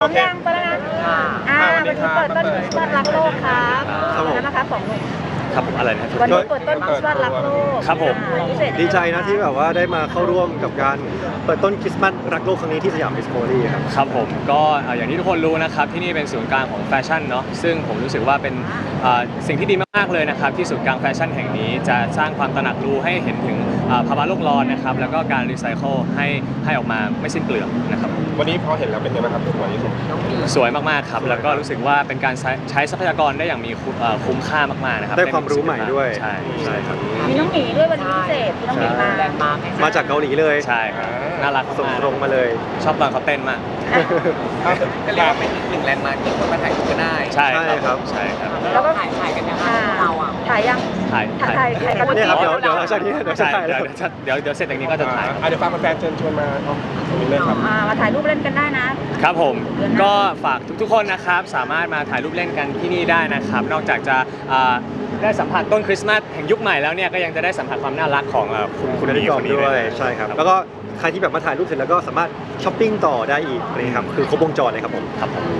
พร้อมยังไปแล้วนะวันนี้เปิดต้นคริสต์มาสรักโลกครับนั่นนะคะ2 หนุ่มครับผมอะไรนะครับวันนี้เปิดต้นคริสต์มาสรักโลกครับผมดีใจนะที่แบบว่าได้มาเข้าร่วมกับการเปิดต้นคริสต์มาสรักโลกครั้งนี้ที่สยามดิสโพลีครับครับผมก็อย่างที่ทุกคนรู้นะครับที่นี่เป็นศูนย์กลางของแฟชั่นเนาะซึ่งผมรู้สึกว่าเป็นสิ่งที่ดีมากๆเลยนะครับที่ศูนย์กลางแฟชั่นแห่งนี้จะสร้างความตระหนักรู้ให้เห็นถึงภาวะโลกร้อนนะครับแล้วก็การรีไซเคิลให้ออกมาไม่สิ้นเปลืองนะครับวันนี้พอเห็นแล้วเป็นยังไงบ้างครับสวยที่สุดสวยมากๆครับแล้วก็รู้สึกว่าเป็นการใช้ทรัพยากรได้อย่างมีคุ้มค่ามากๆนะครับได้ความรู้ใหม่ด้วยใช่ครับมีน้องหมีด้วยวันนี้พิเศษมีน้องหมีมาจากเกาหลีเลยใช่ครับน่ารักส่งตรงมาเลยชอบตอนเขาเต้นมากก็เรียกว่าเป็นอีกหนึ่งแลนด์มาร์คที่คนมาถ่ายรูปก็ได้ใช่ครับใช่ครับแล้วก็ถ่ายกันยังไงเราอ่ะถ่ายยังถ่ายกันเนี่ยครับเดี๋ยวจากนี้เดี๋ยวเดี๋ยวเสร็จจากนี้ก็จะถ่ายเดี๋ยวฝากแฟนเชิญชวนมาเลยครับมาถ่ายรูปเล่นกันได้นะครับผมก็ฝากทุกๆคนนะครับสามารถมาถ่ายรูปเล่นกันที่นี่ได้นะครับนอกจากจะได้สัมผัสต้นคริสต์มาสแห่งยุคใหม่แล้วเนี่ยก็ยังจะได้สัมผัสความน่ารักของคุณดีคนนี้ด้วยใช่ครับแล้วก็ใครที่แบบมาถ่ายรูปเสร็จแล้วก็สามารถช้อปปิ้งต่อได้อีกเลยครับคือครบวงจรเลยครับผมครับผม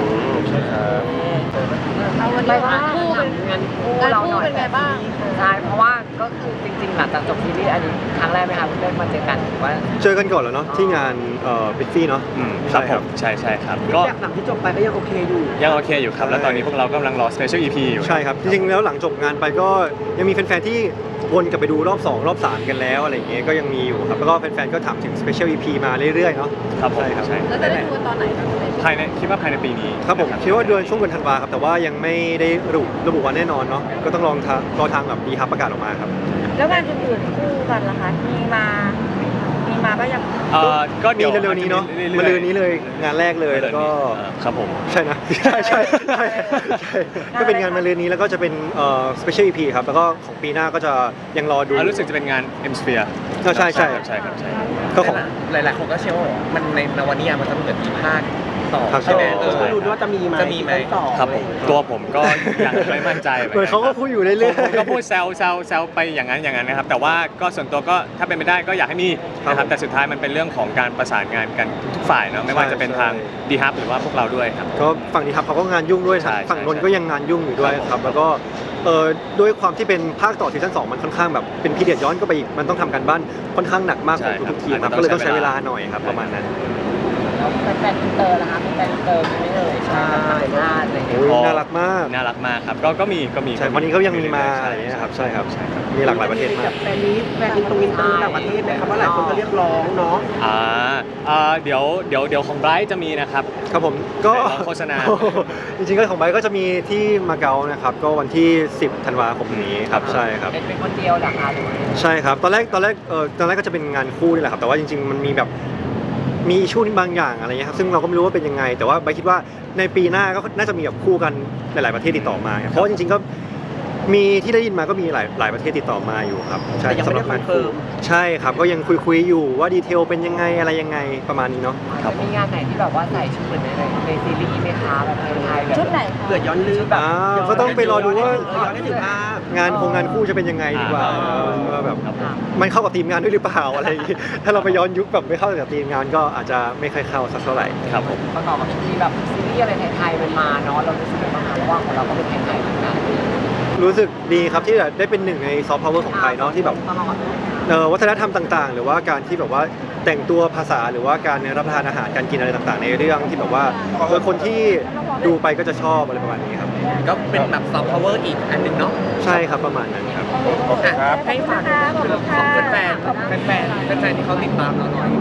เอาวันนี้คู่เป็นงานคู่เราหน่อยเป็นไงบ้างใช่เพราะว่าก็คือจริงๆหลังจากจบซีรีส์อันนี้ครั้งแรกไหมคะได้มาเจอกันหรือว่าเจอกันก่อนแล้วเนาะที่งานบิทฟี่เนาะใช่ครับใช่ครับก็หลังที่จบไปก็ยังโอเคอยู่ครับแล้วตอนนี้พวกเรากำลังรอ Special EP อยู่ใช่ครับจริงๆแล้วหลังจบงานไปก็ยังมีแฟนๆที่วนกลับไปดูรอบ2รอบ3กันแล้วอะไรอย่างเงี้ยก็ยังมีอยู่ครับแล้วก็แฟนๆก็ถามถึง Special EP มาเรื่อยๆเนาะครับผมใช่แล้วจะได้ดูตอนไหนคิดว่าภายในปีนี้ครับผมคิดว่าเดือนช่วงเดือนธันวาครับแต่ว่ายังไม่ได้ระบุวันแน่นอนเนาะก็ต้องรอทางแบบดีฮับประกาศออกมาครับแล้วงานอื่นๆคู่กันล่ะคะมีมาก็ยังก็มีเร็วๆนี้เนาะมาเร็วนี้เลยงานแรกเลยแล้วก็ครับผมใช่นะใช่ก็เป็นงานมาเร็วนี้แล้วก็จะเป็นSpecial EP ครับแล้วก็ของปีหน้าก็จะยังรอดูรู้สึกจะเป็นงาน M Sphere ใช่ครับก็ของหลายๆคนก็เชื่อว่ามันในนวนิยายมันจะเหมือนมีภาคต่อใช่ไหมดูด้วยว่าจะมีไหมต่อครับผมตัวผมก็ยังไม่มั่นใจเหมือนเขาก็พูดอยู่เรื่อยๆก็พูดแซวไปอย่างนั้นนะครับแต่ว่าก็ส่วนตัวก็ถ้าเป็นไปได้ก็อยากให้มีนะครับแต่สุดท้ายมันเป็นเรื่องของการประสานงานกันทุกฝ่ายเนาะไม่ว่าจะเป็นทางดีฮับหรือว่าพวกเราด้วยครับก็ฝั่งดีฮับเขาก็งานยุ่งด้วยฝั่งนนท์ก็ยังงานยุ่งอยู่ด้วยครับแล้วก็ด้วยความที่เป็นภาคต่อซีซั่น2มันค่อนข้างแบบเป็นพีเรียดย้อนก็ไปอีกมันต้องทำกันบ้านค่อนข้างหนักมากของทุกทีมครับก็เลยต้องใช้เวลาหน่อยครับประมาณนั้นแฟนอินเตอร์นะคะแฟนอินเตอร์ไม่เลยใช่น่ารักมากครับก็มีใช่วันนี้เขายังมีมาอะไรอย่างเงี้ยครับใช่ครับมีหลากหลายประเทศมากแฟนอินเตอร์ต่างประเทศไหมครับว่าหลายคนก็เรียกร้องเนาะเดี๋ยวของไบรท์จะมีนะครับครับผมก็โฆษณาจริงๆก็ของไบรท์ก็จะมีที่มาเก๊านะครับก็วันที่10 ธันวาคมนี้ครับใช่ครับเป็นคนเดียวหรอคะใช่ครับตอนแรกก็จะเป็นงานคู่นี่แหละครับแต่ว่าจริงๆมันมีแบบมีอิชชูบางอย่างอะไรเงี้ยครับซึ่งเราก็ไม่รู้ว่าเป็นยังไงแต่ว่าใบคิดว่าในปีหน้าก็น่าจะมีแบบคู่กันหลายๆประเทศติดต่อมาเพราะว่าจริงๆก็มีที่ได้ยินมาก็มีหลายประเทศติดต่อมาอยู่ครับใช่สำหรับงานคู่ใช่ครับก็ยังคุยอยู่ว่าดีเทลเป็นยังไงอะไรยังไงประมาณนี้เนาะมีงานไหนที่แบบว่าใส่ชุดเหมือนในซีรีส์ไหมคะแบบไทยแบบชุดไหนเกิดย้อนลืมแบบก็ต้องไปรอดูว่าย้อนได้ถึงภาพงานคู่จะเป็นยังไงดีกว่าแบบมันเข้ากับทีมงานด้วยหรือเปล่าอะไรอย่างงี้ถ้าเราไปย้อนยุคแบบไม่เข้ากับทีมงานก็อาจจะไม่ค่อยเข้าสักเท่าไหร่ครับผมประกอบกับที่แบบซีรีส์อะไรไทยๆมันมาเนาะเรารู้สึกยังไงบ้างคะเพราะว่าของเราก็เป็นไทยๆเหมือนกันรู้สึกดีครับที่ได้เป็นหนึ่งในซอฟต์พาวเวอร์ของไทยเนาะที่แบบวัฒนธรรมต่างๆหรือว่าการที่แบบว่าแต่งตัวภาษาหรือว่าการรับประทานอาหารการกินอะไรต่างๆในเรื่องที่แบบว่าคนที่ดูไปก็จะชอบอะไรประมาณนี้ครับก็เป็นแบบซอฟต์พาวเวอร์อีกอันหนึ่งเนาะใช่ครับประมาณนั้นครับให้ฝากแฟนที่เขาติดตามเราหน่อย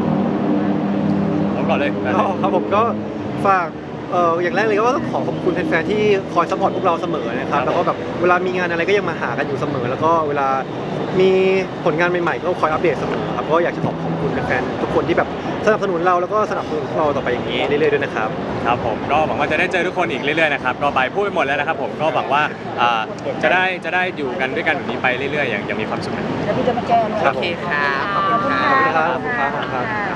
ก่อนเลยครับผมก็ฝากอย่างแรกเลยก็ต้องขอบคุณแฟนๆที่คอยซัพพอร์ตพวกเราเสมอนะครับแล้วก็แบบเวลามีงานอะไรก็ยังมาหากันอยู่เสมอแล้วก็เวลามีผลงานใหม่ๆก็คอยอัปเดตเสมอครับก็อยากจะขอบคุณแฟนๆทุกคนที่แบบสนับสนุนเราแล้วก็สนับสนุนเราต่อไปอย่างนี้เรื่อยๆด้วยนะครับครับผมก็หวังว่าจะได้เจอทุกคนอีกเรื่อยๆนะครับก็ไปพูดไปหมดแล้วนะครับผมก็หวังว่าจะได้อยู่กันด้วยกันแบบนี้ไปเรื่อยๆอย่างมีความสุขแล้วพี่จะมาแก้โอเคครับขอบคุณครับ